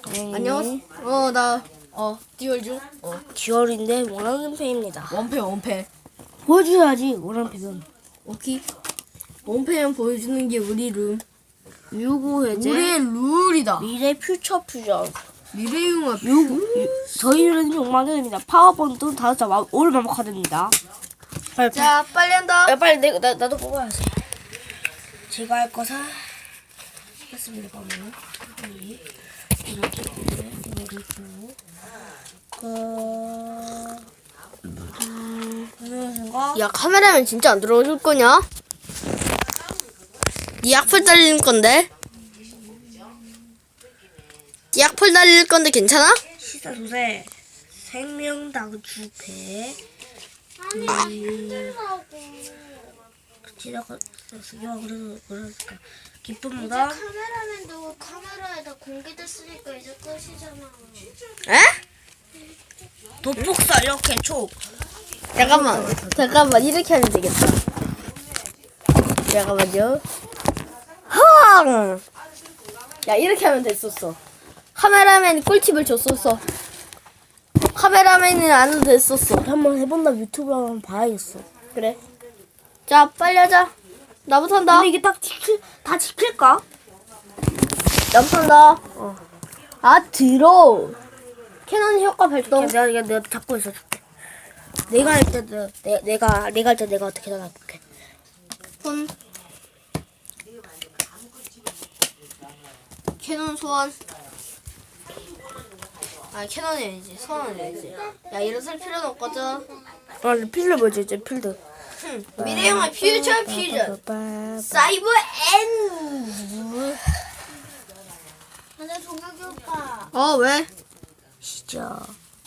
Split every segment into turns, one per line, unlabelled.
안녕. 듀얼 중.
듀얼인데 원하는 팬입니다.
원패.
보여줘야지 원하는 팬은.
오케이. 원패는 보여주는 게 우리 룸.
유고 해제.
우리의 룰이다.
미래 퓨처 퓨전.
미래융합.
저희는 6만 원입니다. 파워본도 5자 올 완벽화됩니다.
자, 빨리 한다.
야 빨리 나도 뽑아야지. 제가 할 거 했습니다. 이렇게
야, 카메라면 진짜 안 들어오실 거냐? 네 악플 달릴 건데? 네 악플 달릴 건데 괜찮아?
시사 소세 생명당 주패. 지나가 그래서 그랬을까 기쁨보다
카메라맨도 카메라에다 공개됐으니까 이제 끝이잖아.
에?
도폭사 이렇게 촉.
잠깐만 이렇게 하면 되겠다. 잠깐만요. 흥! 야, 이렇게 하면 됐었어. 카메라맨이 꿀팁을 줬었어. 카메라맨은 안 해도 됐었어.
한번 해본다. 유튜브 한번 봐야겠어.
그래. 자, 빨리 하자. 나부터 한다.
근데 이게 다 지킬까?
나부터 한다. 들어. 캐논 효과 발동.
내가 잡고 있어 줄게. 내가 할 때도 내가 할 때 내가 어떻게 나갈게.
손. 캐논 소환. 캐논이 아니지. 소환이 아니지. 야, 일어설 필요는 없거든.
필드 뭐지 이제 필드.
미래영화 퓨처 퓨전. 사이버 엔.
근데 동혁이 오빠.
왜?
시작.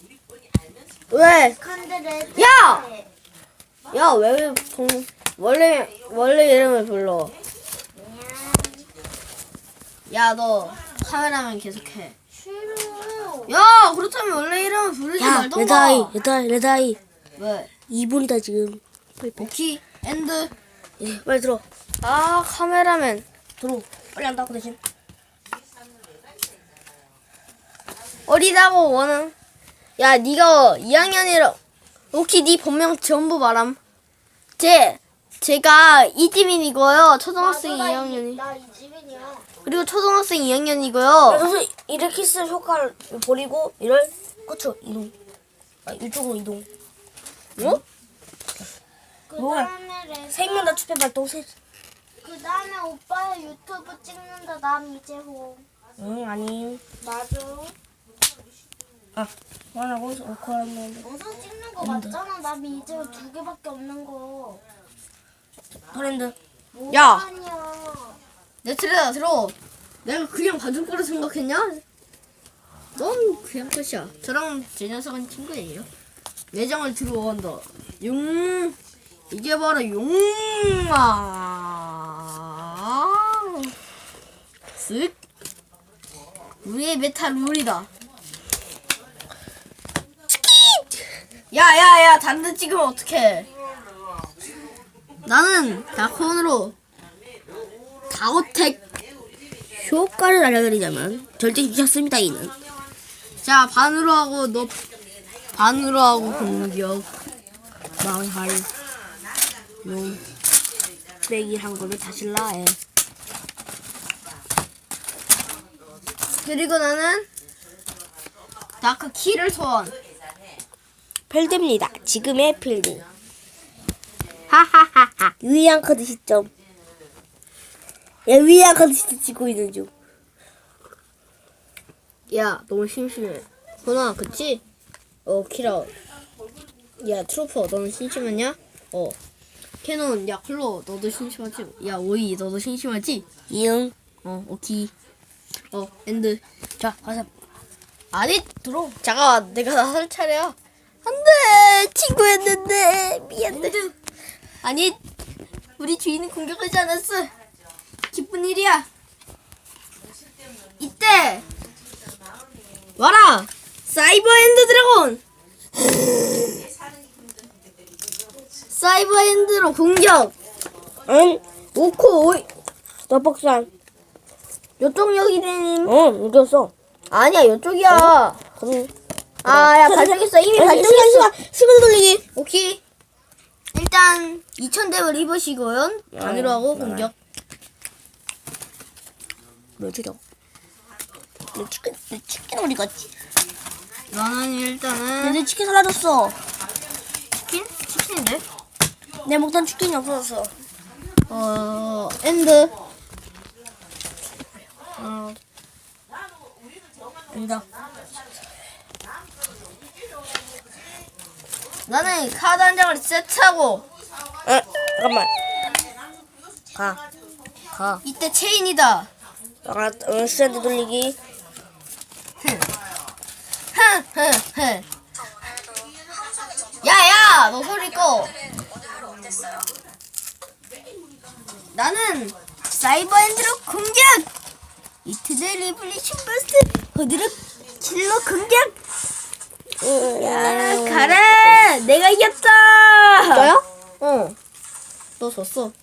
왜?
근데 내
야! 야, 왜 원래 이름을 불러? 야, 너 카메라만 계속해.
싫어.
야, 그렇다면 원래 이름을 부르지
야
말던가.
레다이
왜?
2분이다 지금.
오키 엔드.
예, 빨리 들어.
카메라맨.
들어. 빨리 한다고 대신.
어리다고 원은. 야, 니가 2학년이라. 오키 니 본명 전부 말함. 제가 이지민이고요. 초등학생 2학년이.
나 이지민이야.
그리고 초등학생 2학년이고요.
그래서 이렇게 쓸 효과를 버리고 이를 그쵸 이동. 이쪽으로 이동.
뭐?
그
뭐야?
다음에
생명다 추패 발동 세.
그 다음에 오빠의 유튜브 찍는다. 남 이재호.
응 아니.
나도.
말하고 오커하면
영상 찍는 거 맞잖아. 남 이재호 2개밖에 없는 거.
프렌드.
야!
아니야.
내 틀에다 들어. 내가 그냥 봐줄 거라 생각했냐? 넌 그냥 끝이야. 저랑 제 녀석은 친구예요. 내장을 들어온다. 이게 바로 용마. 쓱. 우리의 메타 룰이다. 야야야, 단드 찍으면 어떡해. 나는 다콘으로 다오텍.
효과를 알려드리자면 절대 미쳤습니다 이는.
자, 반으로 하고 너 반으로 하고 공격.
망할 용 빼기 한 거를 다시 라해.
그리고 나는 다크 키를 소환.
필드입니다. 지금의 필드. 하하하하. 유의한 카드 시점. 야 유의한 카드 시점 찍고 있는 중.
야, 너무 심심해. 건아, 그치? 키라. 야, 트로퍼, 너는 심심하냐? 캐논, 야, 클로, 너도 심심하지? 야, 오이, 너도 심심하지?
이응.
오키. 엔드.
자 가자.
아니, 들어. 잠깐만, 내가 나설 차례야. 안 돼! 친구였는데. 미안해. 아니, 우리 주인은 공격하지 않았어. 기쁜 일이야. 이때! 와라! 사이버 엔드 드래곤! 사이버 엔드로 공격!
응.
5코 5.
너 박산.
요쪽 여기는
응 이겼어.
아니야, 이쪽이야. 야, 발전했어. 이미 발전했어.
스피드 돌리기.
오케이. 일단 2000렙을 입으시고요. 반으로 하고 공격.
몇 줄이야? 내 치킨 어디 갔지?
나는 일단은
내 치킨 사라졌어.
치킨? 치킨인데?
내 먹던 치킨이 없어졌어.
엔드.
인정.
나는 카드 한 장을 세트하고
잠깐만. 가.
이때 체인이다.
스탠드 돌리기.
흥. 야야, 너 소리 꺼. 나는 사이버 엔드로 공격. 이트제 리블리션 버스트 호드로 킬러 공격. 야, 가라. 내가 이겼다.
진짜요?
어. 너 졌어.